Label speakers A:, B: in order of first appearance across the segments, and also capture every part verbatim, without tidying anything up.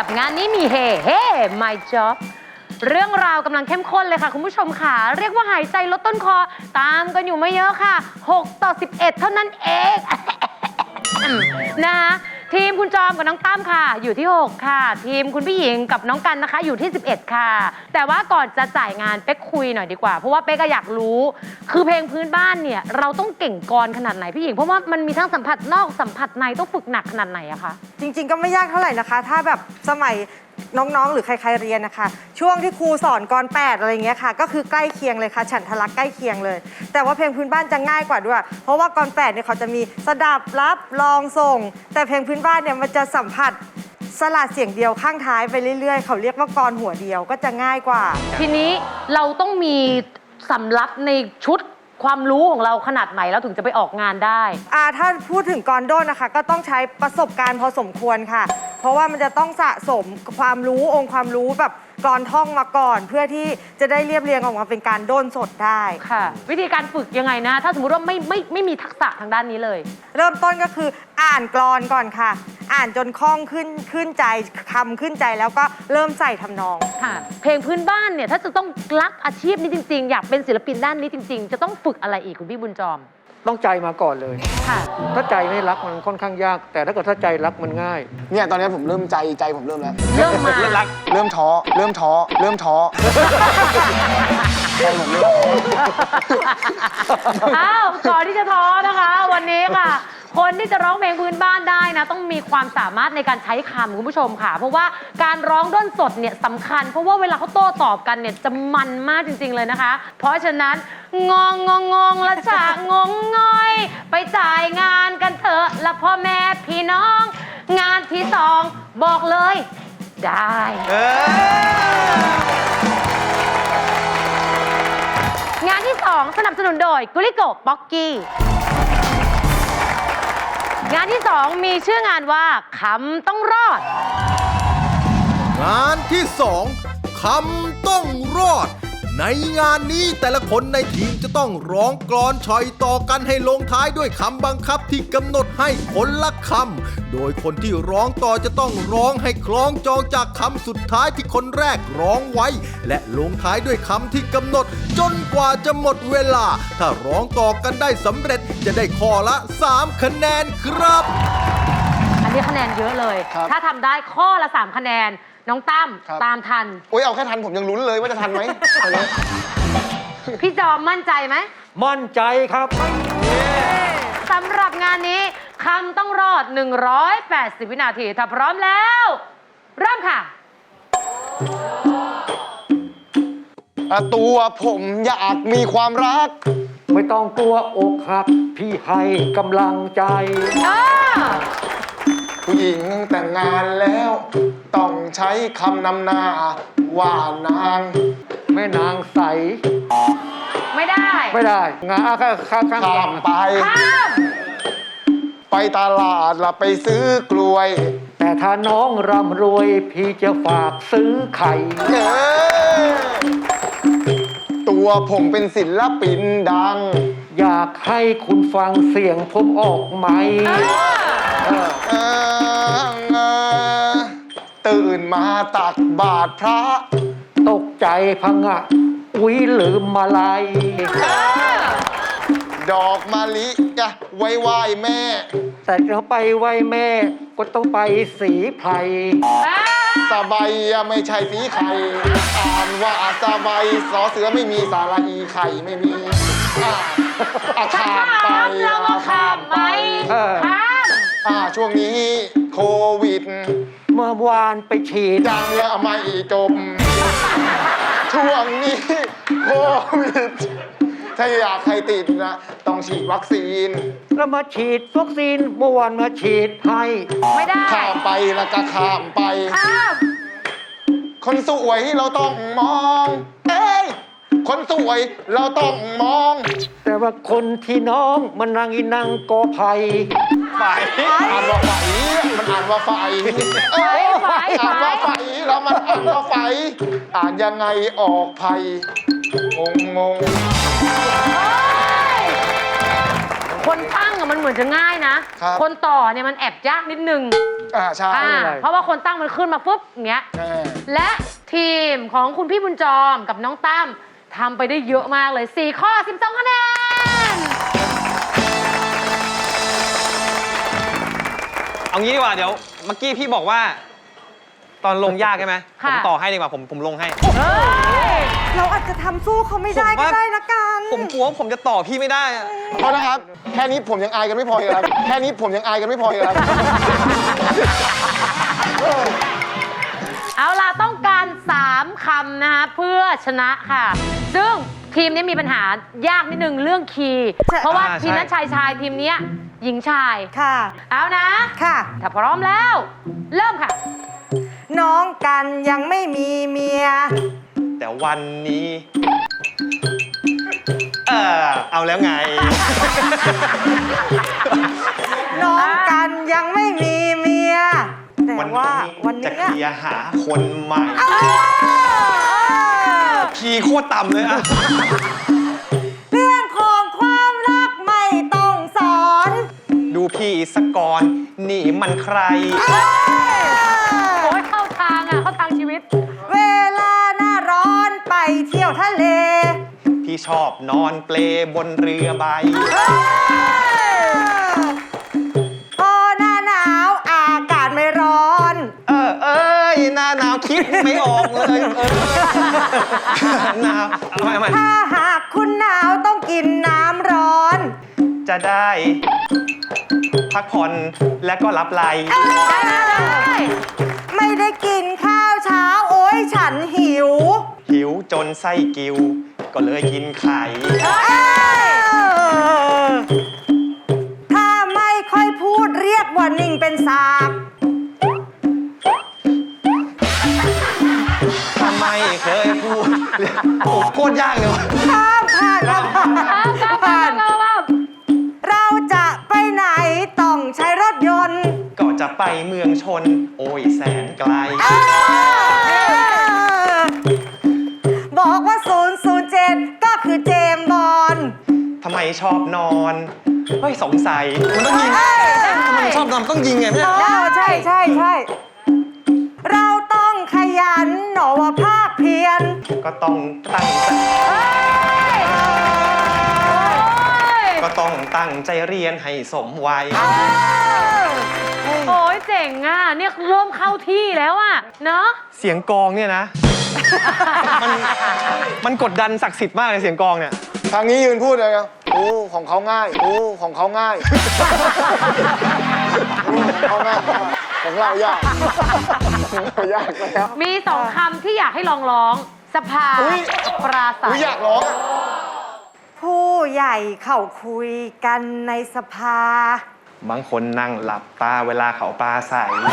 A: กับงานนี้มีเฮเฮ้ my job เรื่องราวกำลังเข้มข้นเลยค่ะคุณผู้ชมค่ะเรียกว่าหายใจลดต้นคอตามกันอยู่ไม่เยอะค่ะหกต่อสิบเอ็ดเท่านั้นเองนะคะทีมคุณจอมกับน้องตั้มค่ะอยู่ที่หกค่ะทีมคุณพี่หญิงกับน้องกันนะคะอยู่ที่สิบเอ็ดค่ะแต่ว่าก่อนจะจ่ายงานเป๊กคุยหน่อยดีกว่าเพราะว่าเป๊กก็อยากรู้คือเพลงพื้นบ้านเนี่ยเราต้องเก่งกรขนาดไหนพี่หญิงเพราะว่ามันมีทั้งสัมผัสนอกสัมผัสในต้องฝึกหนักขนาดไหนอะคะ
B: จริงๆก็ไม่ยากเท่าไหร่นะคะถ้าแบบสมัยน้องๆหรือใครๆเรียนนะคะช่วงที่ครูสอนกรแปดอะไรเงี้ยค่ะก็คือใกล้เคียงเลยค่ะฉันทลักษณ์ใกล้เคียงเลยแต่ว่าเพลงพื้นบ้านจะง่ายกว่าด้วยเพราะว่ากรแปดเนี่ยเขาจะมีสดับรับลองส่งแต่เพลงพื้นบ้านเนี่ยมันจะสัมผัสสลัดเสียงเดียวข้างท้ายไปเรื่อยๆเขาเรียกว่ากรหัวเดียวก็จะง่ายกว่า
A: ทีนี้เราต้องมีสำรับในชุดความรู้ของเราขนาดไหนแล้วถึงจะไปออกงานได้
B: อ่าถ้าพูดถึงกรโด้นนะคะก็ต้องใช้ประสบการณ์พอสมควรค่ะเพราะว่ามันจะต้องสะสมความรู้องค์ความรู้แบบกรท่องมาก่อนเพื่อที่จะได้เรียบเรียงออกมาเป็นการโด้นสดได้
A: ค่ะวิธีการฝึกยังไงนะถ้าสมมติว่าไม่ไม่ไม่มีทักษะทางด้านนี้เลย
B: เริ่มต้นก็คืออ่านกลอนก่อนค่ะอ่านจนคล่องขึ้นขึ้นใจคำขึ้นใจแล้วก็เริ่มใส่ทำนอง
A: ค่ะเพลงพื้นบ้านเนี่ยถ้าจะต้องรักอาชีพนี้จริงๆอยากเป็นศิลปินด้านนี้จริงๆจะต้องฝึกอะไรอีกคุณพี่บุญจอม
C: ต้องใจมาก่อนเลย
A: ค่ะ
C: ถ้าใจไม่รักมันค่อนข้างยากแต่ถ้าเกิดถ้าใจรักมันง่าย
D: เนี่ยตอนนี้ผมเริ่มใจใจผมเริ่มแล้ว
A: เริ่มมา
D: เริ่มรักเริ่มท้อเริ่มท้อเริ่มท้อใจผมเริ่ม
A: อ้าวก่อนที่จะท้อนะคะวันนี้ค่ะคนที่จะร้องเพลงพื้นบ้านได้นะต้องมีความสามารถในการใช้คำคุณผู้ชมค่ะเพราะว่าการร้องด้นสดเนี่ยสำคัญเพราะว่าเวลาเขาโต้ตอบกันเนี่ยจะมันมากจริงๆเลยนะคะเพราะฉะนั้นงงงงงงละฉะงงง่อยไปจ่ายงานกันเถอะละพ่อแม่พี่น้องงานที่สองบอกเลยได้งานที่สองสนับสนุนโดยกุลิโกป๊อกกี้งานที่สองมีชื่องานว่าคำต้องรอด
E: งานที่สองคำต้องรอดในงานนี้แต่ละคนในทีมจะต้องร้องกลอนฉ่อยต่อกันให้ลงท้ายด้วยคำบังคับที่กำหนดให้คนละคำโดยคนที่ร้องต่อจะต้องร้องให้คล้องจองจากคำสุดท้ายที่คนแรกร้องไว้และลงท้ายด้วยคำที่กำหนดจนกว่าจะหมดเวลาถ้าร้องต่อกันได้สำเร็จจะได้ข้อละสามคะแนนครับ
A: อันนี้คะแนนเยอะเลยถ้าทำได้ข้อละสามคะแนนน้องตั้มตามทัน
D: โอ้ยเอาแค่ทันผมยังลุ้นเลยว่าจะทันไหม
A: พี่จอมมั่นใจไหม
C: มั่นใจครับ
A: สำหรับงานนี้คำต้องรอดหนึ่งร้อยแปดสิบวินาทีถ้าพร้อมแล้วเริ่มค่ะ
D: ตัวผมอยากมีความรัก
C: ไม่ต้องกลัวอกหักพี่ให้กำลังใจ
D: ผู้หญิงแต่งงานแล้วต้องใช้คำนำหน้าว่านาง
C: แม่นางใส
A: ไม่ได้
C: ไม่ได้งาข้าข้าข้
D: ามไปไปตลาดละไปซื้อกล้วย
C: แต่ถ้าน้องร่ำรวยพี่จะฝากซื้อไข่
D: ตัวผมเป็นศิลปินดัง
C: อยากให้คุณฟังเสียงผมออกไหม
D: ตื่นมาตักบาตรพระ
C: ตกใจพังะอุ๊ยลืมมาลัย
D: ดอกมะลิจะไว้ไหว้แม่
C: แต่เราไปไหว้แม่ก็ต้องไปสีไพร
D: สบายไม่ใช่สีไข่อ่านว่าสบายสอเสือไม่มีสาระอีไข่ไม่มีอาข้ามไป
A: ข้ามไปข้าม
D: อ่าช่วงนี้โควิด
C: เมื่อวานไปฉีด
D: ยังแล้วไม่จบช่วงนี้โควิดถ้าอยากใครติดนะต้องฉีดวัคซีน
C: แล้วมาฉีดวัคซีนเมื่อวานมาฉีดให้
A: ไม่ได้
D: ข้ามไปแล้วก็ข้ามไป
A: ข้าม
D: คนสวยเราต้องมองเอ้ยคนสวยเราต้องมอง
C: แต่ว่าคนที่น้องมันนางอีนางกอไผ่
D: ไฝอ่านว่าไฝมันอ่านว่าไฝเอ้ยอ่านว่าไฝแล้วมันอ่านว่าไฝอ่านยังไงออกไผ่งงง
A: คนตั้งอะมันเหมือนมือนจะง่ายนะ
D: ครับ
A: คนต่อเนี่ยมันแอบยากนิดนึง
D: อ่าใช่
A: อ่าเพราะว่าคนตั้งมันขึ้นมาปุ๊บอย่างเงี้ย
D: แน่
A: และทีมของคุณพี่บุญจอมกับน้องตั้มทำไปได้เยอะมากเลย สี่ ข้อ สิบสอง คะแนน
F: เอางี้ดีกว่าเดี๋ยวเมื่อกี้พี่บอกว่า ตอนลงยากใช่ไหมผ
A: ค่ะ
F: มต่อให้ดีกว่าผมผมลงให้
A: เฮ้ย
B: เราอาจจะทำสู้เขาไม่ได้
F: ผม
B: ก็
F: ว่า
B: ได้นะกัน
F: ผมกลัวว่าผมจะต่อพี่ไม่ได้อะ
D: เพราะนะครับ แค่นี้ผมยังอายกันไม่พอเลยครับ แค่นี้ผมยังอายกันไม่พอเลยครับ
A: เอาล่ะต้องการ สาม คำนะคะเพื่อชนะค่ะ ซึ่งทีมนี้มีปัญหายากนิดนึงเรื่องคีย์
B: ใช่
A: เพราะว่าทีมนั้นชายชายทีมเนี้ยหญิงชาย
B: ค่ะ
A: เอานะ
B: ค่ะ
A: ถ้าพร้อมแล้ว เริ่มค่ะ
B: น้องกันยังไม่มีเมีย
F: แต่วันนี้ เออเอาแล้วไง
B: น้องกันยังไม่มีเมีย แต่ว่าวัน
F: จะ
B: นี้
F: เคลียร์หาคนใหม่ คีย์โคตรต่ำเลยอะ
B: เรื่องของความรักไม่ต้องสอน
F: ดูพี่สกอนนี่มันใคร
A: โอ้ยเข้าทางอ่ะ เข้าทางชีวิต
B: เวลาหน้าร้อนไปเที่ยวทะเล
F: พี่ชอบนอนเปลบนเรือใบ
B: พอหน้าหนาวอากาศไม่ร้อน
F: เออเอ้ยหน้าหนาวคิดไม่ออกเลยเออหนาวเอาใหม่เอาใหม่
B: ถ้าหากคุณหนาวต้องกินน้ำร้อน
F: จะได้ พักผ่อนและก็รับไหล
A: ได้ได้ได้
B: ไม่ได้กินข้าวเช้าโอ้ยฉันหิว
F: หิวจนไส้กิว ก็เลยกินไข่
B: ถ้าไม่ค่อยพูดเรียกว่านิ่งเป็นสาก
F: ทำไมเคยพูดโอ้โคตรยากเลยว่ะ
B: ข้ามผ่านครับผ่าน
A: เอากลับมา
B: ผ่าน
A: กลับมา
B: เราจะไปไหนต้องใช้รถยนต์
F: ก็จะไปเมืองชน โอ้ยแสนไกล
B: บอกว่าศูนย์ศูนย์เจ็ดก็คือเจมส์บอล
F: ทำไมชอบนอน เฮ้ยสงสัย มันต้องยิง
B: เอ้ย
F: ทำไมชอบนอนมันต้องยิงไงเนี่ย
B: อ๋อใช่ใช่ใช่เราต้องขยันหนอว่าภาคเพียร
F: ก็ต้องตั้งใจ ก็ต้องตั้งใจเรียนให้สมวัย
A: โอ้ยเจ๋งอ่ะ เนี่ยเริ่มเข้าที่แล้วอ่ะ เนอะ
F: เสียงกลองเนี่ยนะ มันมันกดดันศักดิ์สิทธิ์มากเลยเสียงกลองเนี่ย
D: ทางนี้ยืนพูดเลยครับโอ้ของเขาง่ายโอ้ของเขาง่ายโอ้ของเขาง่ายของเรายากของเรายากแล้ว
A: มีสองคำที่อยากให้ลองร้อง สภา
D: อุ๊ย
A: ปราศั
D: อุ้ย
A: ย
D: อยากร้องอะ
B: ผู้ใหญ่เข้าคุยกันในสภา
F: บางคนนั่งหลับตาเวลาเขาปลาใส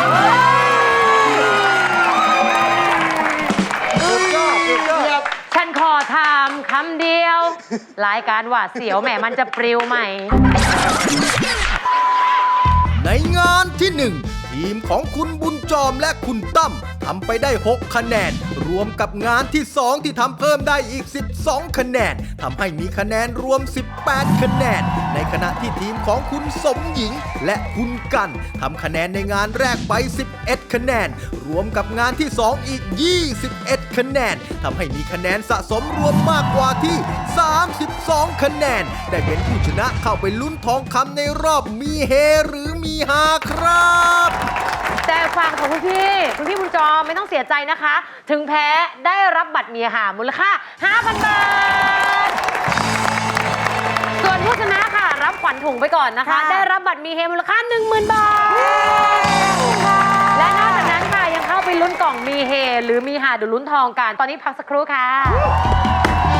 A: ฉันขอถามคำเดียว รายการหวาดเสียวแหมมันจะปลิวไหม
E: ในงานที่หนึ่งทีมของคุณบุญจอมและคุณตั้มทำไปได้หกคะแนน รวมกับงานที่สองที่ทำเพิ่มได้อีกสิบสองคะแนนทำให้มีคะแนนรวมสิบแปดคะแนนในขณะที่ทีมของคุณสมหญิงและคุณกันทำคะแนนในงานแรกไปสิบเอ็ดคะแนน รวมกับงานที่สองอีกยี่สิบเอ็ดคะแนนทำให้มีคะแนนสะสมรวมมากกว่าที่สามสิบสองคะแนนได้เป็นผู้ชนะเข้าไปลุ้นทองคำในรอบมีเฮหรือมีฮาครับ
A: แต่ฟังของคุณพี่ คุณพี่บุญจอมไม่ต้องเสียใจนะคะ ถึงแพ้ได้รับบัตรเมียหามูลค่า ห้าพัน บาท ส่วนผู้ชนะค่ะ รับขวัญถุงไปก่อนนะคะ
B: ค่ะ
A: ได้รับบัตรมีเฮมูลค่า หนึ่งหมื่น บาท และนอกจากนั้นค่ะยังเข้าไปลุ้นกล่องมีเฮหรือมีหาดูลุ้นทองกัน ตอนนี้พักสักครู่ค่ะ